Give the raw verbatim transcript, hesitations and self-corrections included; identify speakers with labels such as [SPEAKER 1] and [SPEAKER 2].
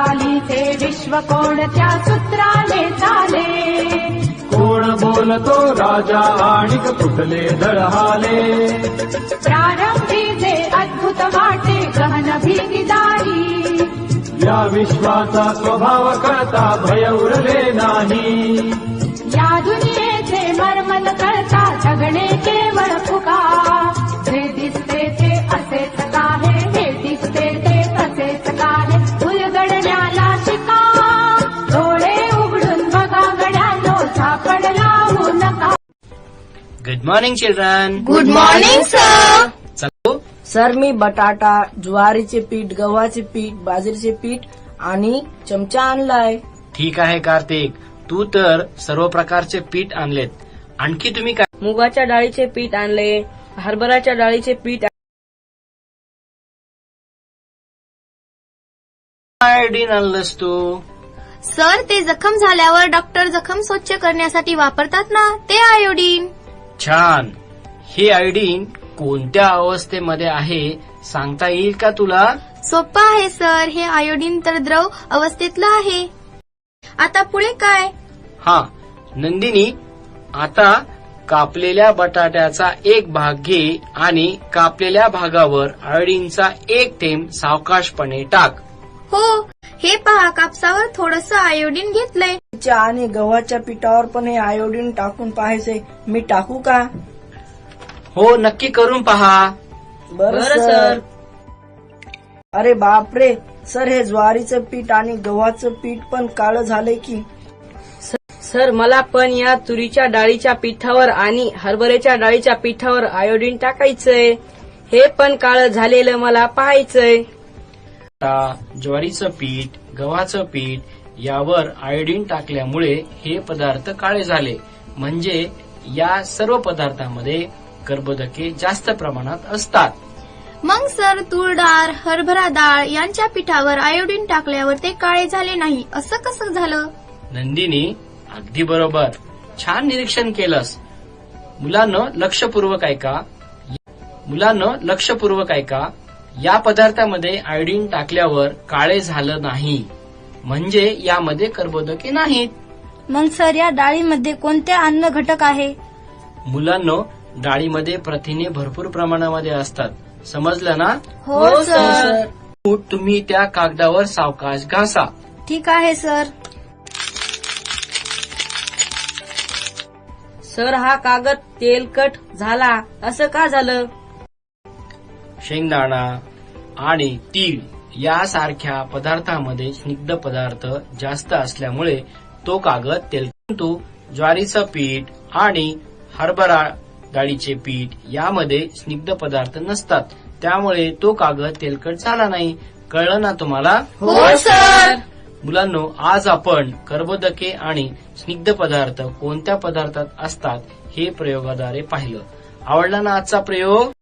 [SPEAKER 1] चालीचे विश्व कोणत्या सूत्राने चाले?
[SPEAKER 2] कोण बोलतो राजा आणि कुठले धडहाले?
[SPEAKER 1] प्रारंभी जे अद्भुत वाटे गहन भीतीदारी,
[SPEAKER 2] या विश्वाचा स्वभाव कळता भय उरले नाही.
[SPEAKER 1] या दुनियेचे मर्मन कळता जगणे केवळ फुका. जे दिसते ते असेच काहे, हे दिसते ते तसेच काहे, उलगडण्याला शिका. डोळे उघडून बघा गड्यानो, झापड लावू नका.
[SPEAKER 3] Good morning children.
[SPEAKER 4] Good morning sir.
[SPEAKER 3] चलो
[SPEAKER 5] सर, मी बटाटा, ज्वारीचे पीठ, गव्हाचे पीठ, बाजरीचे पीठ आणि चमचा आणलाय.
[SPEAKER 3] ठीक आहे कार्तिक, तू तर सर्व प्रकारचे पीठ आणलेत. आणखी तुम्ही काय?
[SPEAKER 5] मुगाच्या डाळीचे पीठ आणले, हरभऱ्याच्या डाळीचे पीठ.
[SPEAKER 3] आयोडीन आणलंस तू?
[SPEAKER 4] सर, ते जखम झाल्यावर डॉक्टर जखम स्वच्छ करण्यासाठी वापरतात ना, ते आयोडीन.
[SPEAKER 3] छान. हे आयोडीन कोणत्या अवस्थेमध्ये आहे सांगता येईल का तुला?
[SPEAKER 4] सोपं आहे सर, हे आयोडीन तर द्रव अवस्थेतलं आहे. आता पुढे काय?
[SPEAKER 3] हा नंदिनी, आता कापलेल्या बटाट्याचा एक भाग घे आणि कापलेल्या भागावर आयोडीनचा एक थेंब सावकाशपणे टाक.
[SPEAKER 4] हो, हे पहा, कापसावर थोडस आयोडीन घेतलंय.
[SPEAKER 5] च्या आणि गव्हाच्या पिठावर पण हे आयोडीन टाकून पाहायचे. मी टाकू का?
[SPEAKER 3] हो, नक्की करून पहा.
[SPEAKER 5] बरं सर. अरे बापरे सर, हे ज्वारीचं पीठ आणि गव्हाचं पीठ पण काळं झालंय की? सर, मला पण या तुरीच्या डाळीच्या पिठावर आणि हरभऱ्याच्या डाळीच्या पिठावर आयोडीन टाकायचंय. हे पण काळं झालेलं मला पाहायचंय.
[SPEAKER 3] आता ज्वारीचं पीठ, गव्हाचं पीठ यावर आयोडीन टाकल्यामुळे हे पदार्थ काळे झाले. म्हणजे या सर्व पदार्थांमध्ये कर्बोदके जास्त प्रमाणात असतात.
[SPEAKER 4] मग सर, तूर डाळ, हरभरा डाळ यांच्या पिठावर आयोडीन टाकल्यावर ते काळे झाले नाही, असं कसं झालं?
[SPEAKER 3] नंदिनी, अगदी बरोबर. छान निरीक्षण केलंस. मुलांनो लक्षपूर्वक ऐका. मुलांनो लक्षपूर्वक ऐका. या पदार्थामध्ये आयोडीन टाकल्यावर काळे झालं नाही, म्हणजे यामध्ये कर्बोदके नाहीत.
[SPEAKER 4] मग सर, या डाळीमध्ये कोणते अन्न घटक आहे?
[SPEAKER 3] मुलांनो, डाळीमध्ये प्रथिने भरपूर प्रमाणामध्ये असतात. समजलं ना?
[SPEAKER 4] हो सर.
[SPEAKER 3] तुम्ही त्या कागदावर सावकाश घासा.
[SPEAKER 4] ठीक आहे सर.
[SPEAKER 5] सर, हा कागद तेलकट झाला, असं का झालं?
[SPEAKER 3] शेंगदाणा आणि तीळ यासारख्या पदार्थांमध्ये स्निग्ध पदार्थ जास्त असल्यामुळे तो कागद तेलकट. ज्वारीचं पीठ आणि हरभरा डाळीचे पीठ यामध्ये स्निग्ध पदार्थ नसतात, त्यामुळे तो कागद तेलकट झाला नाही. कळलं ना तुम्हाला?
[SPEAKER 4] हो सर.
[SPEAKER 3] मुलांनो, आज आपण कर्बोदके आणि स्निग्ध पदार्थ कोणत्या पदार्थात असतात हे प्रयोगाद्वारे पाहिलं. आवडला ना आजचा प्रयोग?